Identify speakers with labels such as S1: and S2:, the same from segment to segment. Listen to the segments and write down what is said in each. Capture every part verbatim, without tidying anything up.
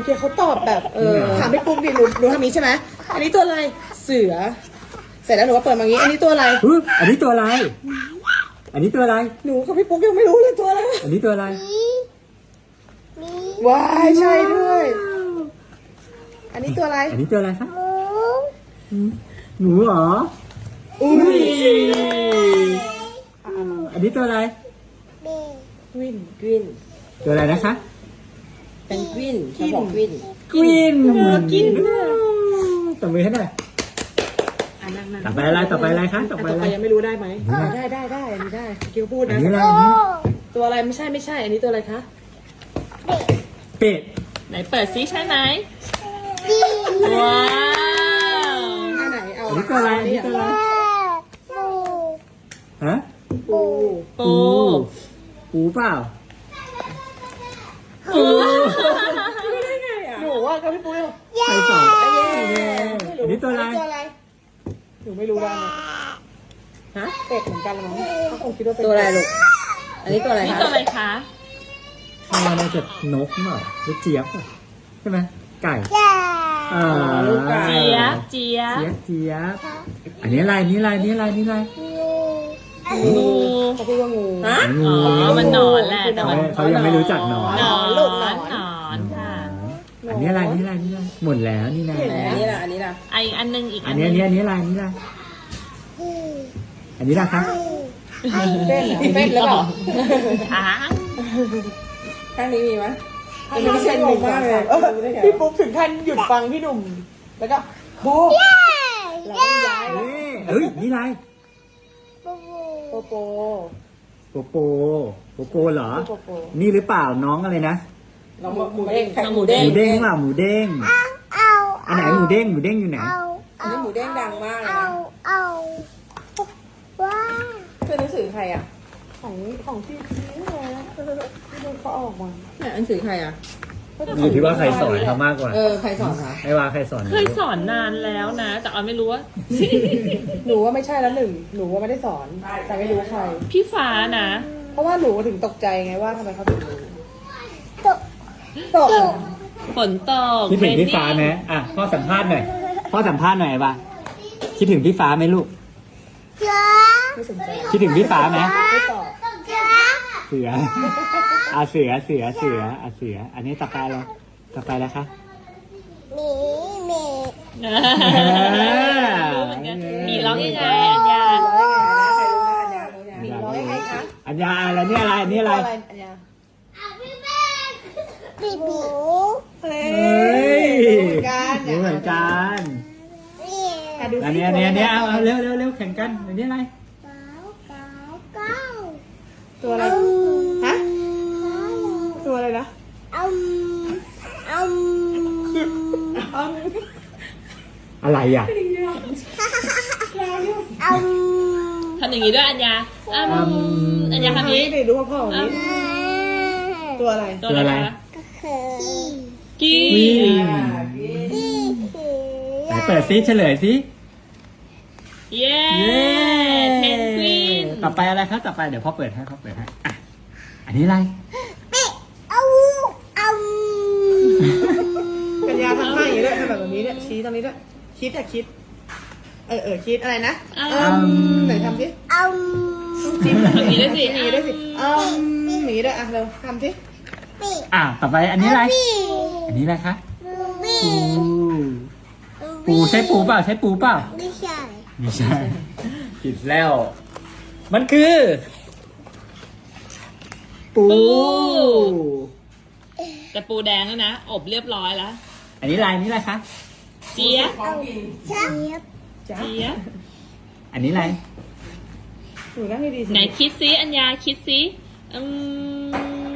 S1: เคเขาตอบแบบเออถามพี่ปุ๊กดิหนูหนูทำนี้ใช่ไหมอันนี้ตัวอะไรเสือเสร็จแล้วหนูก็เปิดมาอย่างนี้อันนี้ตัวอะไร
S2: อุ๊ยอันนี้ตัวอะไร อันนี้ตัวอะไร
S1: หนูกับพี่ปุ๊กยังไม่รู้เลยตัวอะไร
S2: อันนี้ตัวอะไร
S1: ว้ายใช่ด้วยอันนี้ตัวอะไร
S2: อันนี้ตัวอะไรคะหนูเหรอ
S1: อุ้ย
S2: อันนี้ตัวอะไร
S1: กวินกวิน
S2: ตัวอะไรนะคะ
S1: เป็นกวินเขาบอกกวิน
S2: กวิน
S1: กิน
S2: ตบมือให้หน่อย
S1: อ่ะนั่งนั่ง
S2: ต่อไปอะไร ต่อไปอะไรคะ ต่อไป
S1: ต่อ
S2: อะไร
S1: ไปยังไม่รู้ได้ไหมได้ได้ได้อันนี้ได้คิวพูด
S2: อัน
S1: นะ
S2: นี้อะไรอันนี้
S1: ตัวอะไรไม่ใช่ไม่ใช่ อันนี้ตัวอะไรคะ
S2: เป็ด
S3: ไหนเปิดซิใช่ไหมว้าว
S1: อันไหนเอา
S2: อันนี้ตัวอะไร อันนี้ตัวอะไร ฮะ
S1: ปู
S3: ปู
S2: ปูเปล่า
S3: ปู
S1: หนูว่ากับพี่ปู
S2: ใครสอนอันนี้ตัวอะไร
S1: ตัวอะไรหนูไม่รู้ว่าฮะเป็ดเหมือนกันหรอมั้งเขาคงคิดว่าเป็นตัวอะไรลูกอันนี้ตัวอะไร
S3: นี่
S1: คะ
S3: ตัวอะไรคะ
S2: ข้าวน่าจะนกเปล่าหรือเจี๊ยบอ่ะใช่ไหมไก่อ่า
S3: เจี๊ยบเจี๊ยบ
S2: เจี๊ยบเจี๊ยบอันนี้อะไรอันนี้อะไรอันนี้อะไรอันนี้อะไร
S3: งู
S1: เขาพูดว่างูฮะ
S2: งู
S3: อ๋อมันหนอนแหละแต่มัน
S2: เขายังไม่รู้จักหนอน
S3: หนอน
S1: ลูก
S3: ห
S1: ห
S3: น
S1: น
S3: อ
S1: อน น
S3: หนอนค่ะ
S2: อันนี้อะไรอันนี้อะไรอันนี้อะไรหมดแล้วนี่นะ
S1: อันนี้ล่ะอันนี้ล่ะ
S3: ไออันหนึงอีก
S2: อั
S3: อั
S2: น
S3: น
S2: นี้
S3: นึ
S2: อัน
S3: ง
S2: นี้อันนี้อะไรอันนี้อะไรอันนี้ละครับ
S1: เป็นเหรอเป็นหรือเปล่า
S3: อ่า
S1: ข้างนี้มีไหมอันนี้เส้นงงมากเลยพี่ปุ๊กถึงขั้นหยุดฟังพี่หนุ่มแล้วก็ปุ๊กเราต้องย้ายแล้ว
S2: นี่เอ้ยนี่อะไร
S1: โปโป
S2: โปโปโปโปเหรอ
S1: โปโป
S2: นี่หรือเปล่าน้องอะไรนะ
S1: น้องหมูเด้ง
S3: หมูเด้
S2: หมูเด้งเปล่าหมูเด้งอันไหนหมูเด้งหมูเด้งอยู่ไหน
S1: อันนี้หมูเด้งดังมากเลยนะเป็นหนังสือใครอ่ะของของพี่พีเลยนะที่ดูเขาออกมาเนี่ยหนังสือใครอ่ะ
S2: อยู่ที่ว่าใครสอนเขามากกว่า
S1: เออใครสอนคะ
S2: ไม่ว่าใครสอน
S3: เคยสอนนานแล้วนะ แต่ออยไม่รู้ว่า
S1: หนูว่าไม่ใช่แล้วหนึ่งหนูว่าไม่ได้สอนแต่ไม่รู้ใคร
S3: พี่ฟ้านะ
S1: เพราะว่าหนูถึงตกใจไงว่าทำไมเขาถึงรู้ตกตก
S3: ฝนตก
S2: คิดถึงพี่ฟ้าไหมอ่ะพ่อสัมภาษณ์หน่อยพ่อสัมภาษณ์หน่อยบ้างคิดถึงพี่ฟ้าไหมลูก
S1: ไม่สนใจ
S2: คิดถึงพี่ฟ้าไหม
S1: ไม่ตอบ
S2: เสืออ่ะเสือเสือเสืออ่ะเสือ อันนี้ต่อไปแล้วต่อไปแล้วคะ
S3: รู้เหมือนกันมีร้องยังไงอัญญา
S1: ร้องยังไงคะ
S2: อัญญาอะไรเนี่ยอะไรอันนี้อะไร
S1: อันยา
S2: เฮ้ย
S1: เหมือนกัน
S2: รู้เหมือนกัน
S1: อ่ะดูสิ
S2: อันนี้อันนี้อันนี้เอาเอาเร็วเร็วเร็วแข่งกันอันนี้อะไร
S1: ตัวอะไรฮะตัวอะไรนะ
S2: อะไรอ่ะ
S3: ทำอย่างนี้ด้วยอัญญาอืมอัญญาทำนี้
S1: นี่ดูพ่อๆ
S3: อื
S1: นี้
S3: ม
S1: ตัวอะไร
S3: ตัวอะไรคะกี้
S2: วิ่งไหนเปิดซิเฉลยซิ
S3: เย้เพนกวิน
S2: ต่อไปอะไรครับต่อไปเดี๋ยวพ่อเปิดให้พ่อเปิดให้อ่ะอันนี้อะไร
S1: ปัญญาทำท่าอย่างนี้ด้วยทำแบบนี้ด้วยชี้ตรงนี้ด้วยคิดอะคิดเออเออคิดอะไรนะเอมไหนทำสิจิ้ม
S3: ทำนี้ด้วยสิ
S1: หนีด้วยสิเอมหนีด้วยอ่ะเร็วทำสิ
S2: อ่ะต่อไปอันนี้อะไร อันนี้อะไรคะปูปูใช่ปูเปล่าใช่ปูเปล่า
S4: ไม่ใช่
S2: ไม่ใช่ผิดแล้ว มันคือ ปู
S3: แต่ปูแดงแล้วนะ อบเรียบร้อยแล้ว
S2: อันนี้อะไรอันนี้อะไรคะ
S3: เจี๊ยบ
S4: เจี๊ยบ
S3: เจี๊ยบ
S2: อันนี้อะไร
S1: หนูนั่งให้ดีสิ
S3: ไหนคิดซิอัญญาคิดซิอืม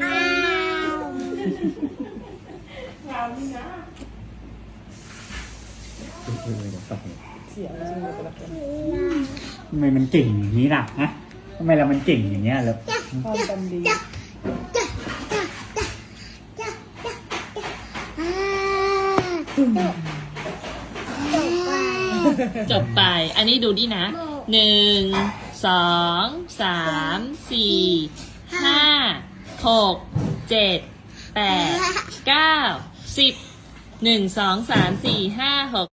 S1: เสียงจริงเลยแต่ละคน
S2: ทำไมมันเก่งอย่างนี้ล่ะฮะทำไมเรามันเก่งอย่างเงี้ยแล้ว
S1: ความจำดี
S3: จบไป อันนี้ดูดินะ หนึ่ง สอง สาม สี่ ห้า หก เจ็ด แปด เก้า สิบหนึ่งสองสามสี่ห้าหก